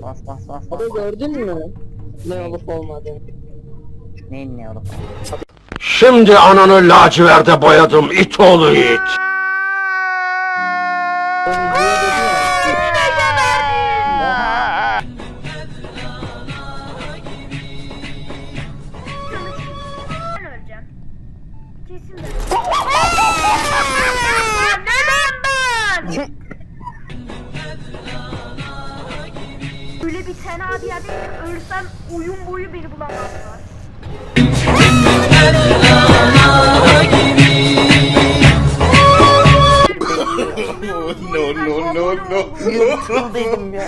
bas. Abi gördün mü? Ne olup olmadığını. Neyin ne olup? Şimdi ananı laciverde boyadım it oğlu it. O videoya dedi ya. Oha! Ben öleceğim. Kesin ben. Neden ben? Öyle bir fena bir yerde ölsem oyun boyu beni bulamazlar. Yıl dedim ya.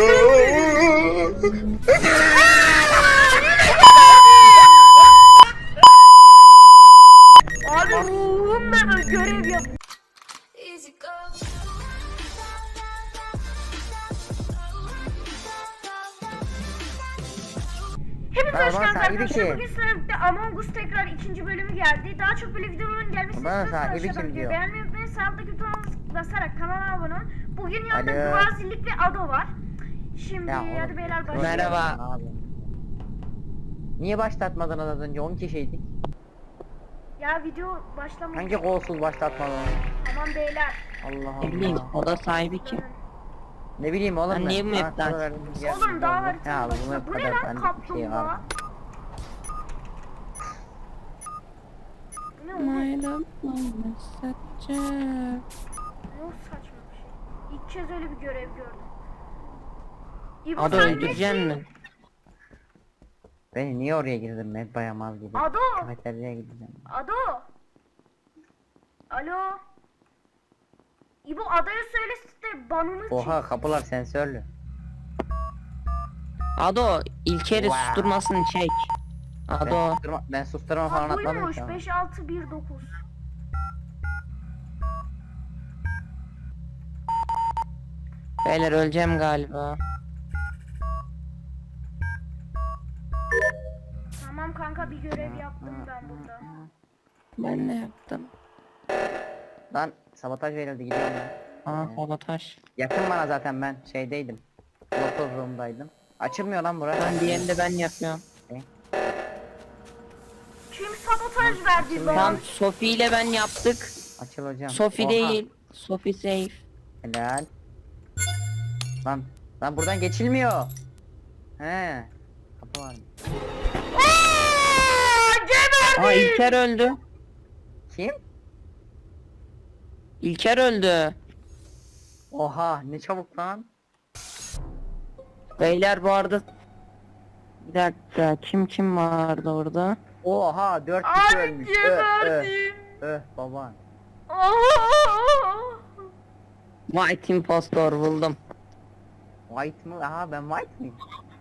Abi ruhumla böyle görev yap. Hepinize hoş Bana geldiniz sahibi arkadaşlar. kim? Bugün sizlerle Among Us tekrar ikinci bölümü geldi. Daha çok böyle videoların gelmesini Bana istiyorsanız sahibi aşağıdan kim videoyu diyor? beğenmeyi unutmayın. Sağdaki butona basarak kanala abone olun. Bugün yanında Alo. Gvazilik ve Ado var. Şimdi Ya hadi oğlum, beyler başlayalım. Merhaba. Abi. Niye başlatmadın az önce 10 kişiydik? Ya video başlamış. Hangi kolsuz başlatmadın? Tamam beyler. Allah Ne bileyim Allah. oda sahibi kim? Ne bileyim oğlum Ben ben. niye bu Bana map'ten soru verdin, gel Oğlum bir daha oldu. haritanın Ya bu başında. map Bu ne kadar lan benlik bir şey var. kaplumbağa? Bu ne oğlum? Ne o saçma bir şey. İlk kez öyle bir görev gördüm. İbo Ado sen öldüreceksin nesin? mi? Beni niye oraya girdim ben bayamaz gibi. Ado! Kafeteryaya gideceğim. Ado! Alo? İbo adaya söylesin de banını Oha çek. kapılar sensörlü. Ado İlker'i Wow. susturmasını çek. Ado. Ben susturma falan Ha atmadım buymuş ki. ama. 5619. Beyler öleceğim galiba. Tamam kanka bir görev yaptım ben burada. Ben ne yaptım? Lan sabotaj verildi gidiyorum ben. Aa sabotaj. Yakın bana zaten ben şeydeydim. Local room'daydım. Açılmıyor lan bura. Ben diğerini de ben yapıyorum. Kim sabotaj verdi Tam lan? Sophie ile ben yaptık. Açıl hocam. Sophie Oha. değil. Sophie safe. Helal. Lan buradan geçilmiyor. He. Kapı var. Aa İlker öldü. Kim? İlker öldü. Oha ne çabuk lan. Beyler bu arada bir dakika kim vardı orada? Oha 4 kişi Abi ölmüş. geberdim. Baba. Aa! White impostor buldum. White mı? Aha ben white mıyım?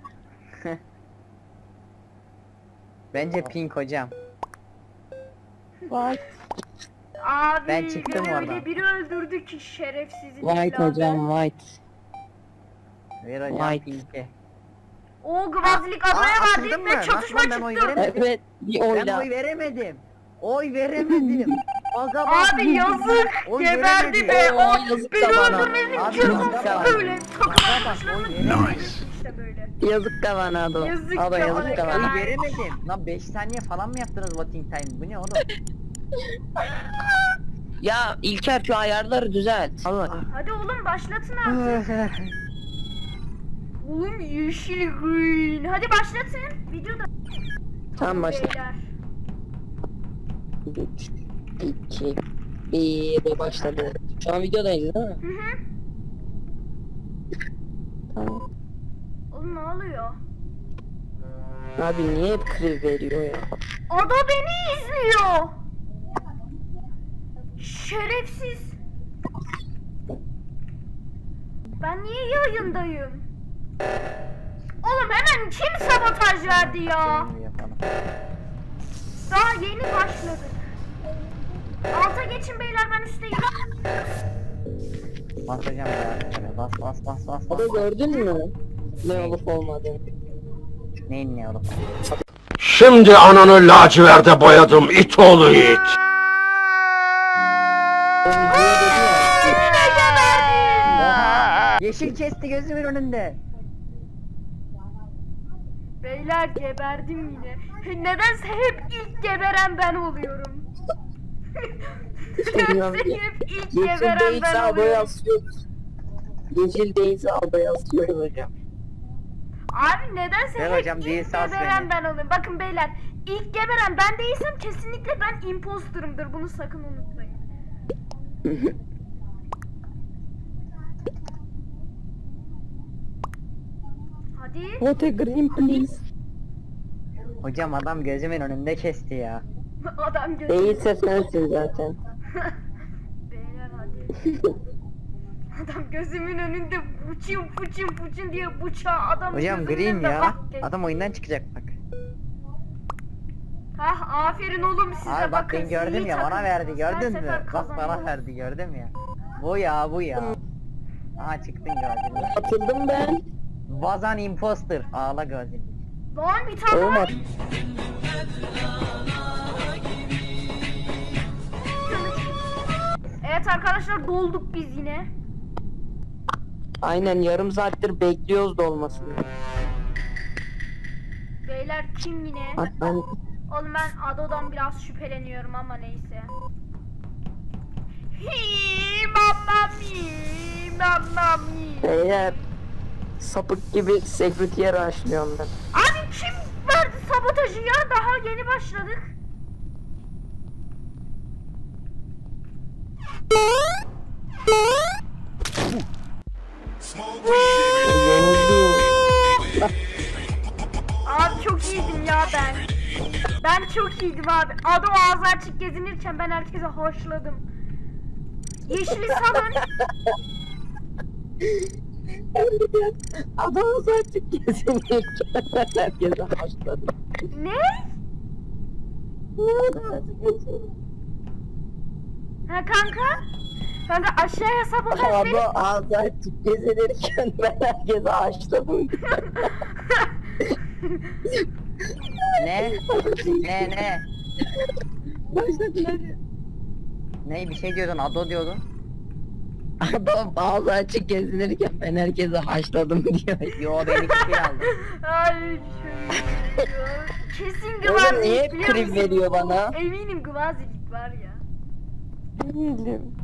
Bence pink hocam. White. Abi Ben çıktım öyle oradan. biri öldürdü ki şerefsizin White evladı. hocam white. Ver hocam White. pink'e. O gvazilik adaya açıldım verdik mı? ve Nasıl çatışma lan ben oy çıktı. veremedim? Evet bir Ben oyla. oy veremedim. Oy veremedim. Aga bak. Abi yazık Oy geberdi veremedim. be. Oo, O yazık beni da bana. öldürmenin Abi cezası yazık da bana. böyle. Takım Aga bak, arkadaşlarımla oy veremedim. işte böyle. Yazık da bana Ado. Yazık Ado da yazık da bana. bana. Oy veremedim. Lan 5 saniye falan mı yaptınız voting time? Bu ne oğlum? Ya İlker şu ayarları düzelt. Allah. Hadi oğlum başlatın artık. Oğlum yeşil green. Hadi başlatın. Videoda. Tamam başla. Beyler. 3, 2, 1 başladı. Şu an videodayız değil mi? Hı hı. Tamam. Oğlum ne oluyor? Abi niye hep kriv veriyor ya? Ada beni izliyor. Şerefsiz. Ben niye yayındayım? Oğlum hemen kim sabotaj verdi ya? Şimdi yapalım. Daha yeni başladık. Alta geçin beyler ben üstteyim. Bas hocam ya. Bas. Ado gördün mü? Ne olup olmadığını. Neyin ne oğlum? Şimdi ananı laciverde boyadım it oğlu it. O videoya dedi ya. Oha! Yeşil kesti gözümün önünde. Beyler geberdim yine. Nedense hep ilk geberen ben oluyorum. Bilmiyorum Nedense ki. hep ilk Yeşil geberen değilse ben adaya oluyorum. asıyoruz. Yeşil değilse adaya asıyoruz hocam. Abi nedense Ver hep hocam, ilk değilse as geberen beni. ben oluyorum. Bakın beyler, ilk geberen ben değilsem kesinlikle ben imposterımdır. Bunu sakın unutmayın. Hadi. What a green please. Hocam adam gözümün önünde kesti ya. Adam gözü. Değilse sensin zaten. Beyler hadi. Adam gözümün önünde buçun puçun puçun diye bıçağı adam Hocam gözümün green önünde ya. bak geçti. Adam oyundan çıkacak bak. Hah, aferin oğlum size. Abi bak bakın, ben gördüm sizi ya, bana takım verdi, her gördün mü? sefer Bak bana kazanıyor. verdi, gördüm ya. Bu ya, bu ya. Aha çıktın gördün mü? Atıldım ben. Vazan imposter. Ağla gözüm. Lan bir tane Oğlum var. at. Evet arkadaşlar, dolduk biz yine. Aynen yarım saattir bekliyoruz dolmasını. Beyler kim yine? Bak ben Oğlum ben Ado'dan biraz şüpheleniyorum ama neyse. Hi mamma mi, mamma mi. beyler sapık gibi security'ye rushlıyorum ben. Abi kim verdi sabotajı ya? Daha yeni başladık. Yenildim. Abi çok iyiydim ya ben. Ben çok iyiydim abi. Ado ağzı açık gezinirken ben herkese hoşladım. Yeşili salın. Adamı saçık kesinlikle herkese başladı. Ne? Ha kanka? Kanka aşağıya sabotaj Adam verip ağzı açık gezinirken ben herkese açladım. Ne? Ne? Başladı hadi. Ne bir şey diyordun, Ado diyordun. Adam ağzı açık gezinirken ben herkese haşladım diyor. Yo ben iki şey aldım. Ay şöyle. Kesin Oğlum Gvazilik niye biliyor krip musun? veriyor bana? Eminim Gvazilik var ya. Bilmiyorum.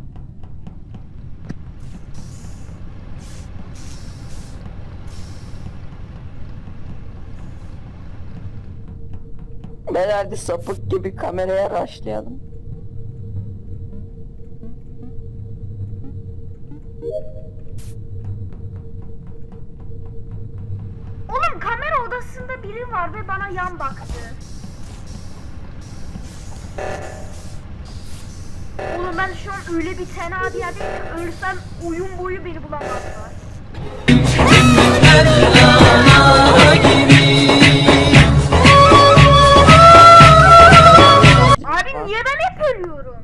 Ben hadi sapık gibi kameraya raşlayalım. Oğlum kamera odasında biri var ve bana yan baktı. Oğlum ben şu an öyle bir tenha bir yerdeyim ki ölsem oyun boyu beni bulamazlar. Abi niye ben hep ölüyorum?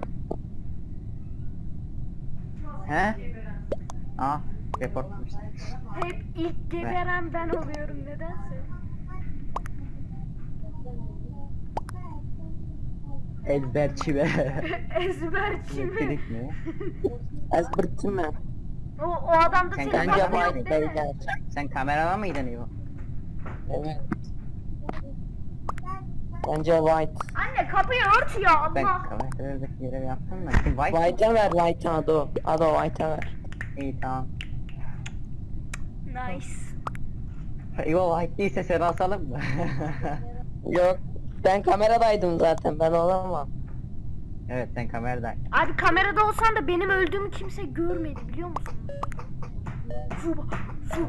He? Aa, reportmuş. Hep ilk geberen ben oluyorum nedense. Ezberçi be. Ezberçi mi? Dedik mi? Ezbertim ben. O adam da Sen senin kanka Bence başın yok vay değil mi? beyler. Sen kamerada mıydın İbo? Evet. Bence white. Anne kapıyı ört ya Ben Allah. kameradaki görev yaptım da. Kim White? White'a ver white'a Ado. Ado white'a ver. İyi tamam. Nice. İbo White değilse seni asalım mı? Yok. Ben kameradaydım zaten ben olamam. Evet sen kameradaydın. Abi kamerada olsan da benim öldüğümü kimse görmedi biliyor musun? Su.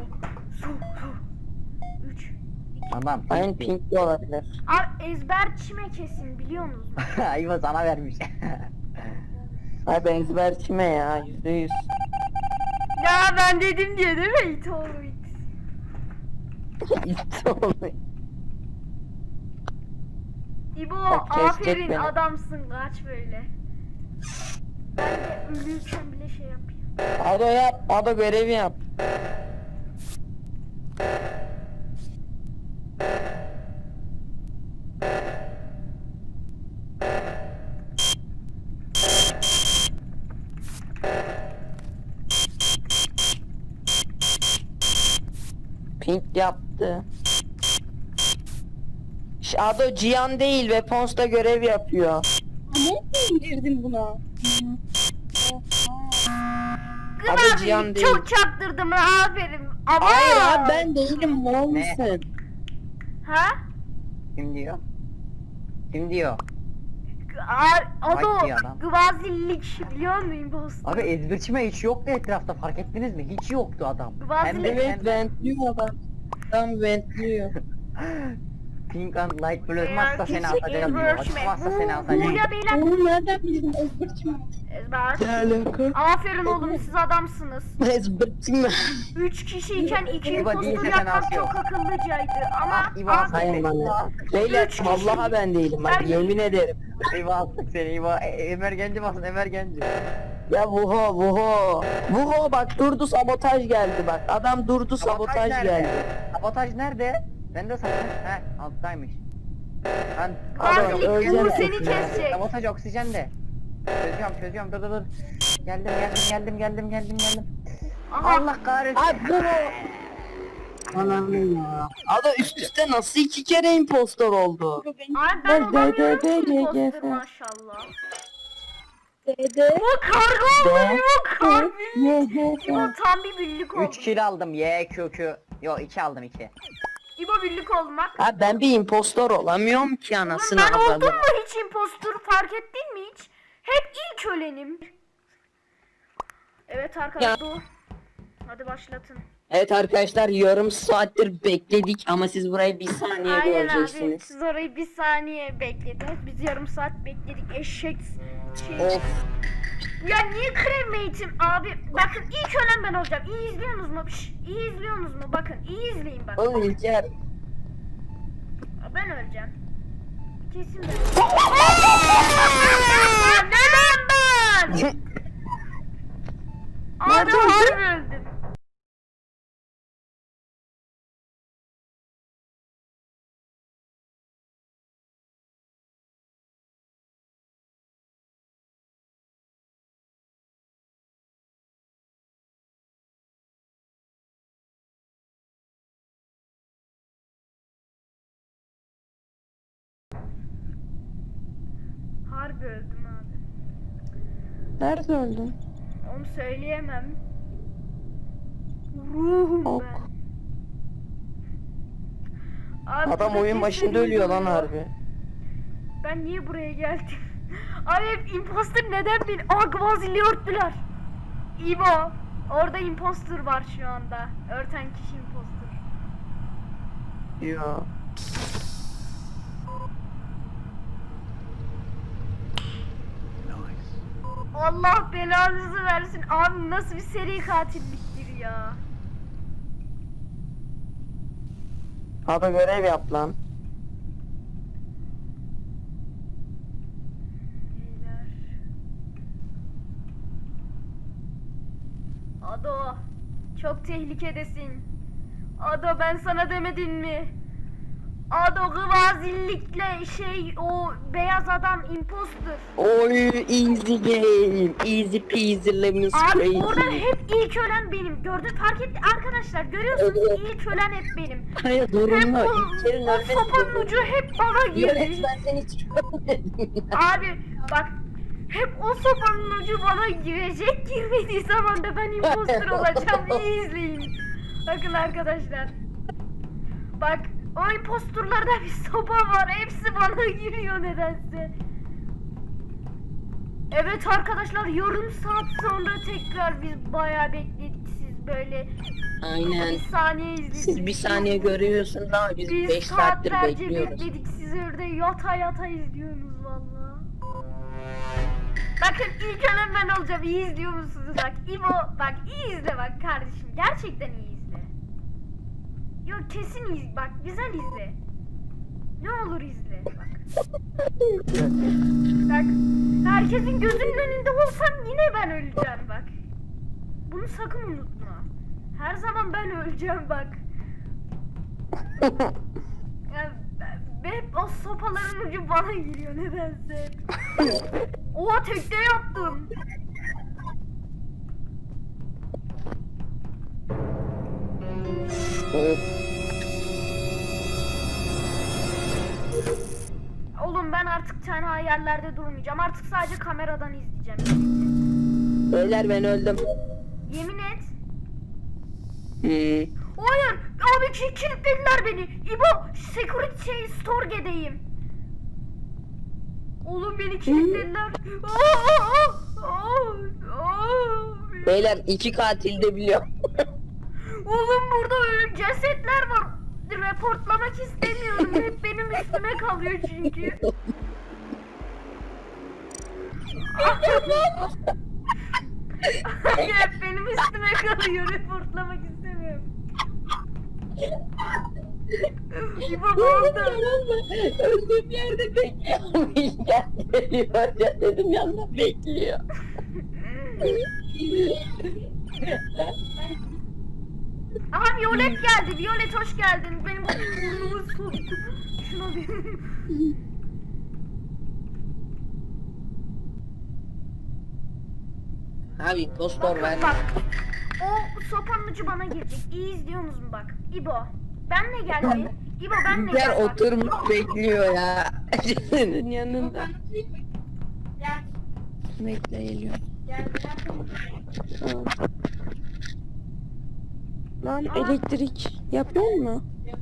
3. Tamam. Aynen pink de olabilir. Abi ezberçime kesin biliyor musunuz? İbo sana vermiş. Ay ben ezberçime ya %100. Ya ben dedim diye değil mi? It all it. İşte oldu. İbo Bak, kesecek aferin beni. adamsın kaç böyle. Ben de ölürken bile şey yapayım. Ado yap. Ado görevi yap. Pink yaptı. Ado Cihan değil ve Pons'ta görev yapıyor. Nereden girdin buna? Adı Abi Cihan değil. çok çaktırdım aferin. Ama Hayır abi ben değilim, mal Ne? mısın? Ha? Kim diyor? Kim diyor? Ado Vay diyor adam. gvazillik biliyor musun imposter? Abi ezberçime hiç yoktu etrafta, fark ettiniz mi? Hiç yoktu adam. Bazı- Evet ventliyor adam. Tam ventliyor. Pink and light blue olmazsa seni Küçük atacağım diyor. inversion. Açmazsa seni Bu atacağım. ya beyler. Oğlum nereden bildin? Ezberçim. Ezber. Ne alaka? Aferin oğlum siz adamsınız. Ezbertim. 3 kişiyken 2 İba impostor değilse sen yapmak asıyor. çok akıllıcaydı ama Ah, İba astık Hayır seni. bana. Beyler Üç kişi. vallahi ben değilim bak, Ben- yemin ederim. İba astık seni İba. Ömer Genci basın, Ömer Genci. Ya Vuho bak, durdu, sabotaj geldi bak. Adam durdu, sabotaj nerede? geldi. Sabotaj nerede? Ben de sakın. He, alttaymış. Ben Adam Gvazillik ölecek Uğur seni ya. kesecek. sabotaj oksijende. Çözüyorum. Dur. Geldim. Aha. Allah kahretsin. Abi Vuho. Anam ya. Adam üst üste nasıl 2 kere impostor oldu? Abi ben olamıyorum ki imposter maşallah. Dede. Bu kargo oluyor kargo. İbo tam bir birlik oldu. 3 kill aldım. YQQ. Yo 2 aldım 2. İbo birlik olmak. Abi ben bir impostor olamıyorum ki Oğlum anasını ben oldum avradım. mu hiç impostor fark ettin mi hiç? Hep ilk ölenim. Evet arkadaşlar. Hadi başlatın. Evet arkadaşlar, yarım saattir bekledik ama siz burayı bir saniye Aynen abi. göreceksiniz. Siz orayı bir saniye beklediniz. Biz yarım saat bekledik. Eşek şey. Of. Ya niye cremate'im abi? Bakın ilk ölen ben olacağım. İyi izliyorsunuz mu? İyi izliyorsunuz mu? Bakın iyi izleyin bak. Oğlum İlker. Ben öleceğim. Kesin ben. Neden ben? Abi harbi öldüm. Harbi öldüm abi. Nerede öldün? Onu söyleyemem. Ruhum Ok. ben. Abi Adam burada oyun başında kesin ölüyor lan ölüyor. harbi. Ben niye buraya geldim? Abi hep imposter neden beni? Aa Gvazil'i örttüler. İbo. Orada imposter var şu anda. Örten kişi imposter. Ya. Allah belanızı versin. Abi nasıl bir seri katilliktir ya. Hadi görev yap lan. Beyler. Ado. Çok tehlikedesin. Ado ben sana demedim mi? Ado gvazillikle o beyaz adam imposter. Oy easy game. Easy peasy lemon Abi oradan squeezy. hep ilk ölen benim. Gördün fark etti arkadaşlar görüyorsunuz Evet. ilk ölen hep benim. Hayır Hep zorunlu. o, İlker'in o ölmesi sopanın zorunlu. ucu hep bana girdi. Yönetmen seni hiç görmedim. Abi bak hep o sopanın ucu bana girecek, girmediği zaman da ben imposter olacağım. İyi izleyin. Bakın arkadaşlar. Bak o imposturlarda bir sopa var. Hepsi bana giriyor nedense. Evet arkadaşlar yarım saat sonra tekrar biz bayağı bekledik. Siz böyle Aynen. bir saniye izlediniz. Siz bir saniye görüyorsunuz ama biz Biz 5 saattir saatlerce bekliyoruz. bekledik. Siz orada yata izliyorsunuz valla. Bakın ilk ölen ben olacağım. İyi izliyor musunuz? Bak İbo bak iyi izle bak kardeşim. Gerçekten iyi izle. Yok kesin iyi. Bak güzel izle. Ne olur izle. Bak. Bak herkesin gözünün önünde olsam yine ben öleceğim bak. Bunu sakın unutma. Her zaman ben öleceğim bak. Ya, hep o sopaların ucu bana giriyor nedense. Oha tekte yaptım. artık tenha yerlerde durmayacağım. Artık sadece kameradan izleyeceğim. Beyler ben öldüm. Yemin et. Hmm. Hayır. Abi kilitlediler beni. İbo security store'deyim. Oğlum beni kilitlediler. Beyler 2 katil de biliyorum. Oğlum burada öyle cesetler var. Reportlamak istemiyorum. Hep benim üstüme kalıyor çünkü. Hep benim üstüme kalıyor. Reportlamak istemiyorum. İbo ne oldu? Öldüğüm yerde bekliyor. Geliyor ya dedim yanında bekliyor. Aha Violet geldi. Violet hoş geldin. Benim bu burnumu soktu. Şuna bir... Abi impostor ver. Bak. O sopanın ucu bana girecek. İyi izliyor musun bak. İbo. Benle gel bir. İbo benle Gel gel bak. oturmuş bekliyor ya. Senin yanında. Gel. Bekle geliyor. Gel. Tamam. Lan elektrik yapıyor mu?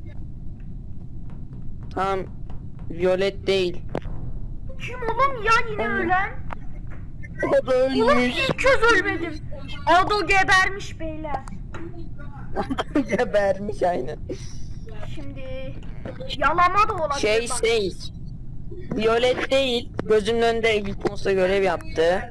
Tamam. Violet değil. Kim oğlum ya yine ölen? O da Oğlum ölmüş. ilk kez ölmedim. Ado gebermiş beyler. Gebermiş aynen. Şimdi yalama da olabilir Şey bak. Violet değil. Gözünün önünde Wilpons'a görev yaptı.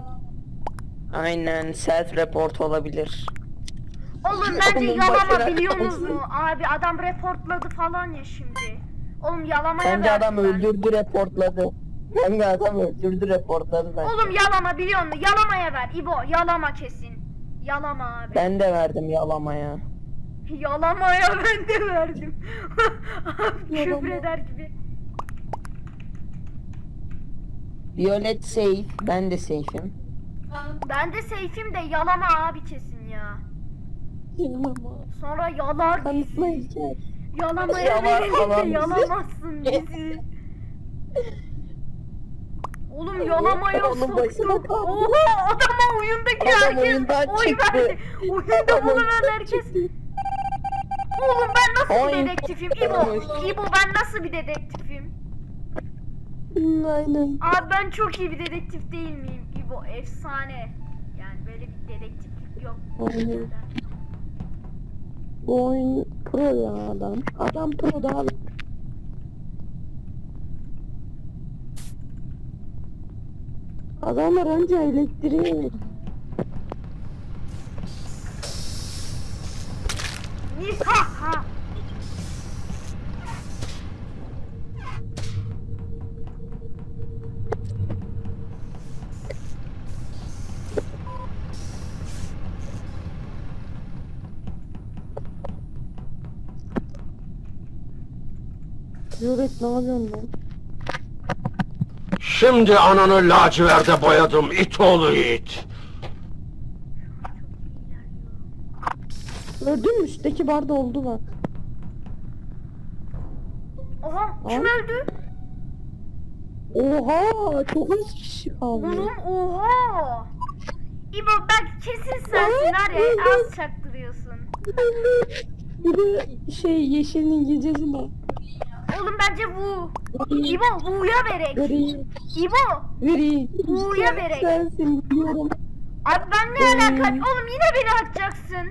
Aynen self report olabilir. Oğlum bence Onun yalama başına biliyor kalsın. musun? Abi adam reportladı falan ya şimdi. Oğlum yalamaya Bence adam verdiler. öldürdü reportladı. Bence adam öldürdü reportladı bence. Oğlum yalama biliyor musun? Yalamaya ver İbo. Yalama kesin. Yalama abi. Ben de verdim yalamaya. Yalamaya ben de verdim. Abi Yalama. küfür eder gibi. Violet safe, ben de safe'im. Ben de seyfim de yalama abi kesin ya. Yalama. Sonra yalar bizi. Kanıtlayacak. Yalamaya Yalar verirse falan bizi. yalamazsın bizi. Oğlum yalamaya Onun başına soktuk. kaldı. Oha adama oyundaki Adam herkes oyundan oy çıktı. verdi. Oyunda bulunan herkes. Oğlum ben nasıl bir Oy. dedektifim İbo? İbo ben nasıl bir dedektifim? Aynen. Abi ben çok iyi bir dedektif değil miyim İbo? Efsane. Yani böyle bir dedektiflik yok. Aynen. Bu oyun pro ya adam. Adam pro da abi. Adamlar önce elektriği Nihaha. Violet ne yapıyorsun lan? Şimdi ananı laciverde boyadım it oğlu it. Gördün mü üstteki barda oldu bak. Oha kim Aa. öldü? Oha çok az kişi kaldı. Oğlum oha. İbo bak kesin sensin var ya az çaktırıyorsun. Bir de şey yeşilin gecesi mi? Oğlum bence bu. İbo Vu'ya verek. Vereyim. İbo. Vereyim. Buğuya Sen- verek. Sensin biliyorum. Abi ben ne alaka? Oğlum yine beni atacaksın.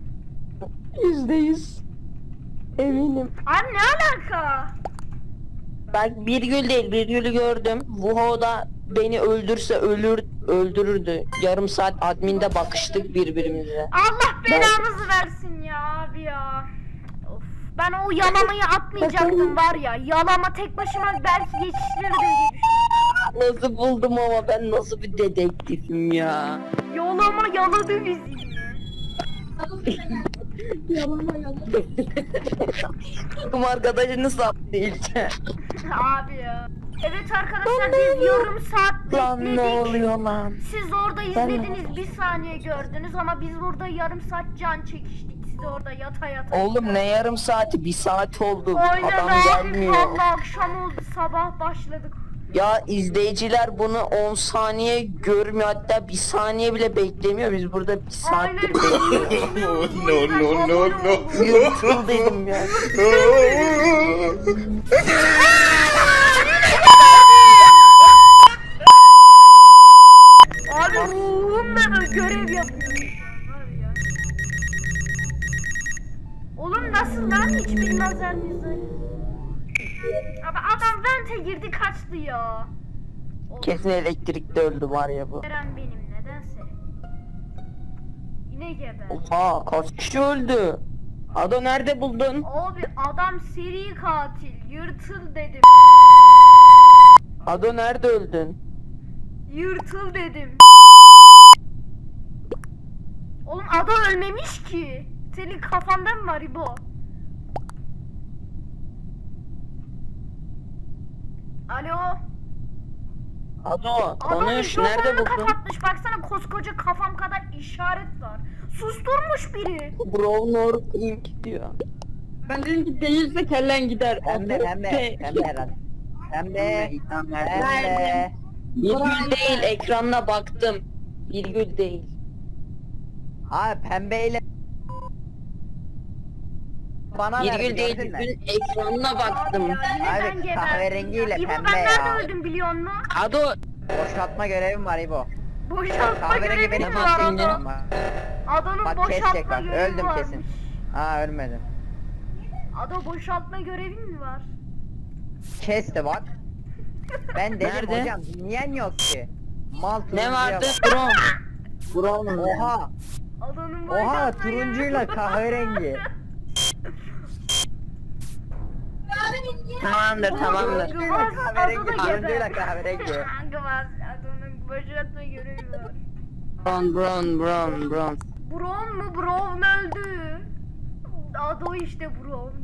%100. Eminim. Abi ne alaka? Ben virgül değil virgülü gördüm. Vuho da beni öldürse öldürürdü. Yarım saat adminde bakıştık birbirimize. Allah belanızı versin ya abi ya. Of. Ben o yalamayı atmayacaktım var ya. Yalama tek başıma belki yetiştirirdim diye düşündüm. Nasıl buldum ama ben nasıl bir dedektifim ya. Yalama yaladı bizi yine. Takım arkadaşını sattı ilçe. Abi ya. Evet arkadaşlar biz yarım saat Lan ne bekledik. oluyor lan? Siz orada Ben- izlediniz bir saniye gördünüz ama biz burada yarım saat can çekiştik. Siz orada yata yata. Oğlum ne yarım saati? Bir saat oldu. Aynen Adam abi gelmiyor. valla akşam oldu sabah başladık. Ya izleyiciler bunu 10 saniye görmüyor, hatta 1 saniye bile beklemiyor. Biz burada 1 saattir bekliyoruz. No no no no. Yırtıldıydım ya. Abi ruhumla da görev yapıyorum şu an var ya. Oğlum nasıl lan, hiç bilmezler miyiz? Abi adam vente girdi kaçtı ya. Kesin elektrikte öldü var ya bu. Eren benim nedense. Yine geber. Oha, kaç kişi öldü? Ado nerede buldun? Abi adam seri katil. Yırtıl dedim. Ado nerede öldün? Yırtıl dedim. Oğlum adam ölmemiş ki. Senin kafandan mı var İbo? Alo. Ado Adam konuş, nerede mikrofonunu buldun? kapatmış. Baksana koskoca kafam kadar işaret var. Susturmuş biri. Brown or Pink diyor. Ben dedim ki değilse kellen gider. Pembe pembe pembe Eren. Pembe. Pembe. Virgül değil, ekranına baktım. Virgül değil. Abi pembeyle bana verdi, Virgül değil, gördün mü? virgül ekranına baktım. Abi ya yine Abi, ben geberdim. kahverengiyle İbo pembe ben ya. nerede öldüm biliyor musun? Ado Boşaltma görevim var İbo. Boşaltma Kahverengi görevi benim mi var hakkımda. Ado? Ado'nun Bak kes boşaltma tekrar. görevi Öldüm varmış. kesin. Aa ölmedim. Ado boşaltma görevin mi var? Kesti bak. Ben dedim Nerede? hocam dinleyen yok ki. Mal ne turuncuya vardı? bak. Brown. Oha. Ado'nun Oha boşaltma turuncuyla görevi- kahverengi. Tamamdır, tamamdır. Gıvaz, Kahverengi Ado da turuncuyla geber. kahverengi. Gıvaz, Ado'nun boşaltma görevi var. Brown. Brown mu? Brown öldü. Ado işte Brown.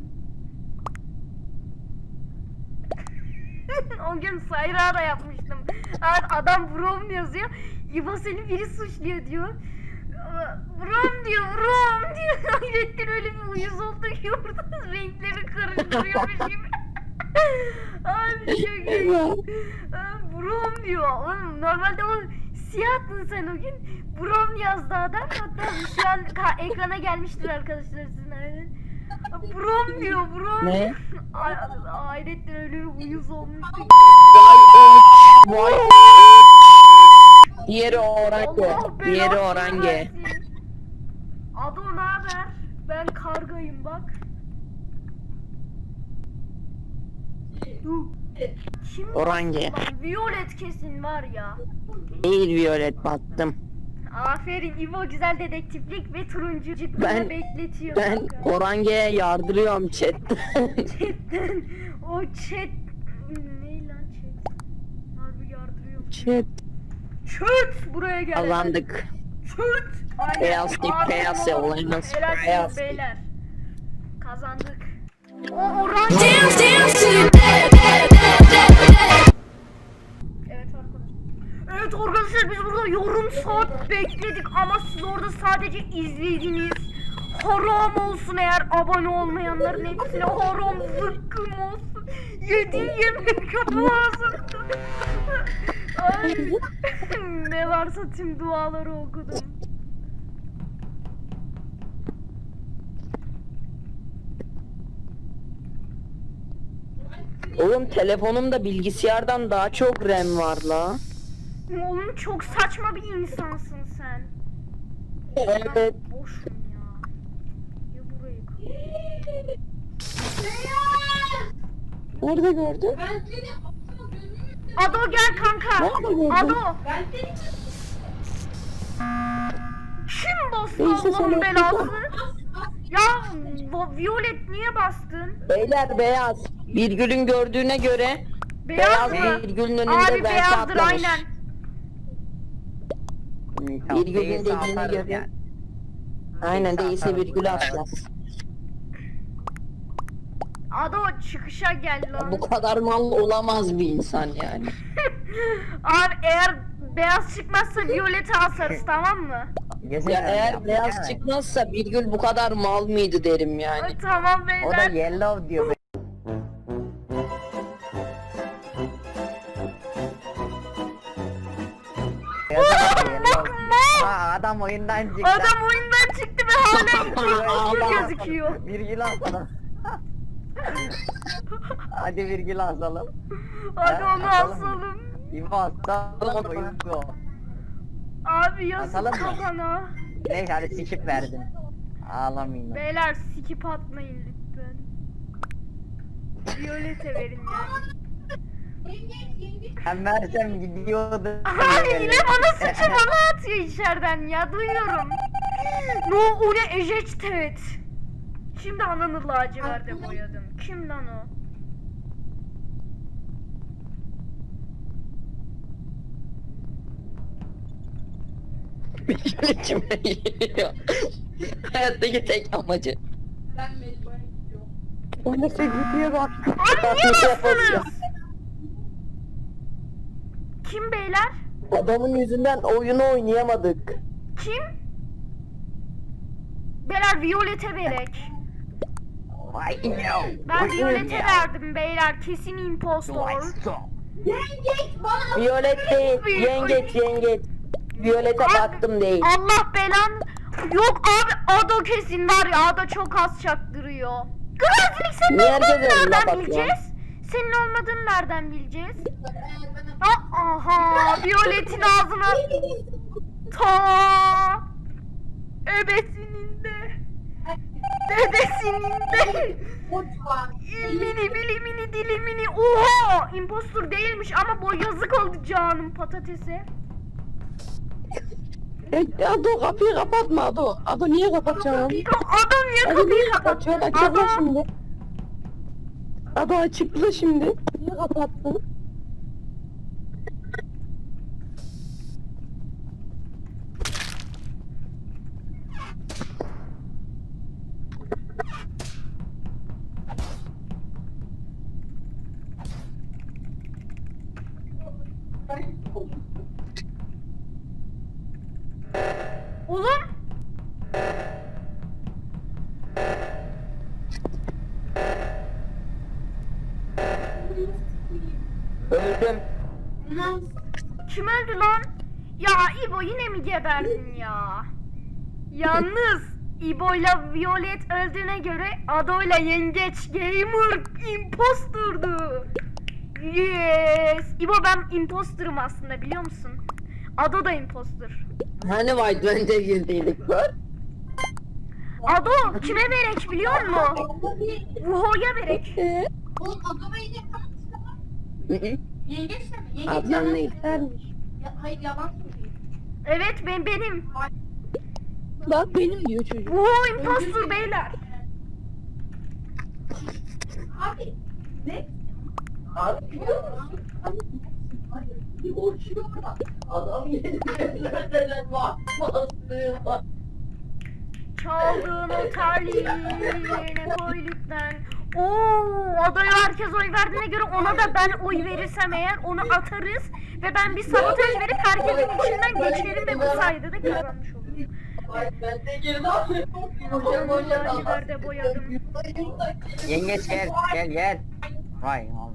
O gün sayra da yapmıştım. Adam Brown yazıyor. İbo seni biri suçluyor diyor. Brown diyor. Hayrettin öyle bir uyuz oldu ki orada renkleri karıştırıyormuş gibi. Abi çok iyi. Brown diyor. Oğlum, normalde o siyahtın sen o gün. Brown yazdı adam. Hatta şu an ekrana gelmiştir arkadaşlar sizin aynen. Brown diyor Brown. Ne? Hayrettin öyle bir uyuz olmuştu. Vay. Diğeri orange. Allah Diğeri belasını orange. versin. Ado ne haber? Ben kargayım bak. Kim Orange. bastı lan? Violet kesin var ya. Değil Violet, baktım. Aferin İbo, güzel dedektiflik ve turuncu cidden Ben- bekletiyor. Ben kanka. Orange'ye yardırıyorum chatten. Chatten o chat ne lan chat? Harbi yardırıyor. Chat. Çöt buraya gel. Kazandık. Çöt. Aynen. Beyaz dik, Aferin beyaz oğlum. yollarınız, Helal beyaz olsun dik. beyler. Kazandık. O orange. Evet arkadaşlar, biz burada yarım saat bekledik ama siz orada sadece izlediniz. Haram olsun eğer abone olmayanların hepsine haram zıkkım olsun. Yediği yemek olmasın. Ay, ne varsa tüm duaları okudum. Oğlum telefonumda bilgisayardan daha çok RAM var la. Oğlum çok saçma bir insansın sen. Evet. Boşum ya. Ya burayı kal. Nerede gördün? Ben seni aptal gözümü Ado gel kanka. Nerede gördün? Ado. ben seni Kim bastı Neyse, Allah'ın sen belası? Ya Violet niye bastın? Beyler beyaz. Virgül'ün gördüğüne göre Beyaz beyaz mı? virgülün önünde Abi vente beyazdır atlamış. aynen. Tamam, Virgül'ün değilse dediğine atarız göre. yani. Aynen, değilse atarız. virgülü atmaz. Ado çıkışa gel lan. Bu kadar mal olamaz bir insan yani. Abi eğer beyaz çıkmazsa Violet'e asarız, tamam mı? Gezin Ya yani, eğer yapma beyaz yani. çıkmazsa Virgül bu kadar mal mıydı derim yani. Ay, tamam O da beyler. yellow diyor. Adam oyundan çıktı. Adam oyundan çıktı ve hala virgül gözüküyor. Virgül asalım. Hadi virgül asalım. Hadi Ha, onu asalım mı? asalım. İbo asalım oyuncu. Abi yazık Asalım mı? kafana. Neyse hadi skip verdim. Ağlamayın. Beyler skip atmayın lütfen. Violete verin yani. Ben versem gidiyordu. Ay yine bana sıçı bana atıyor içeriden ya duyuyorum. No o ne ejected. Şimdi ananı laciverde boyadım. Kim lan o? İçime giriyor. Hayattaki tek amacı. Ben mecburen gidiyorum. O ne sevgiye bak. Abi niye bastınız? Kim beyler? Adamın yüzünden oyunu oynayamadık. Kim? Beyler Violete verek. Vay no. Ben Violete verdim beyler. Kesin impostor. Yengeç bana Violet değil, yengeç. Violet'e Abi, baktım değil. Allah belan. Yok abi Ado kesin var ya Ado çok az çaktırıyor. Grazilik senin Niye olmadığını herkes önüne nereden bakıyor? bileceğiz? Senin olmadığını nereden bileceğiz? Aha Violet'in ağzına ta ebesinin de dedesinin de mutfak. ilmini bilimini dilimini oha impostor değilmiş ama bu yazık oldu canım patatese. Ado kapıyı kapatma Ado. Ado niye kapatacaksın? Adam niye Ado kapıyı niye kapattı? kapatıyor? Açıkla Adam şimdi. Ado açıkla şimdi. Niye kapattın? oğlum Öldüm. kim öldü lan? Ya İbo yine mi geberdin ya? Yalnız İbo'yla Violet öldüğüne göre Ado'yla Yengeç Gamer imposturdu. Yes. İbo ben imposturum aslında biliyor musun? Ado da impostur. Hani White Band'e girdiydik gör. Ado kime verek biliyor musun? Vuho'ya verek. Oğlum adama yiyecek yengeç de mi? Yengeç Adnan yalan ne söylüyor. istermiş? Hayır yalan söylüyor. Evet benim. Bak benim diyor çocuk. Vuho impostur beyler. Abi ne? Abi biliyor musun? Bir uçuyor da adam yerine bakmasın. Çaldığın o terliği yerine koy lütfen. Oo, adaya herkes oy verdiğine göre ona da ben oy verirsem eğer onu atarız ve ben bir sabotaj verip herkesin içinden geçerim ve bu sayede de kazanmış olurum. Ben de girdim. Laciverde boyadım. Yengeç gel. Vay oğlum.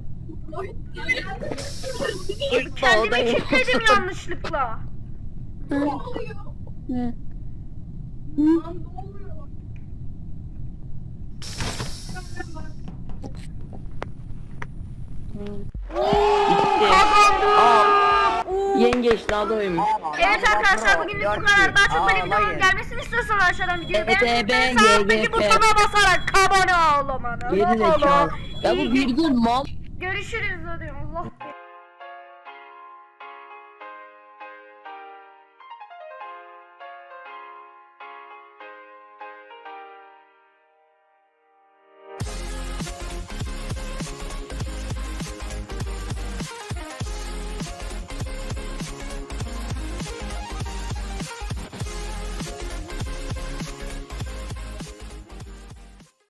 Kendimi kilitledim yanlışlıkla. Ne oluyor? Ne? Lan ne oluyor? Kazandım. Oo. Yengeç daha doymuş. Evet arkadaşlar bugünlük bu kadar. Daha çok böyle videoların gelmesini istiyorsanız aşağıdan videoyu beğenmeyi ve sağdaki butona basarak abone olmanı. Geri zekalı. Ya bu virgül mal. Görüşürüz hadi Allah.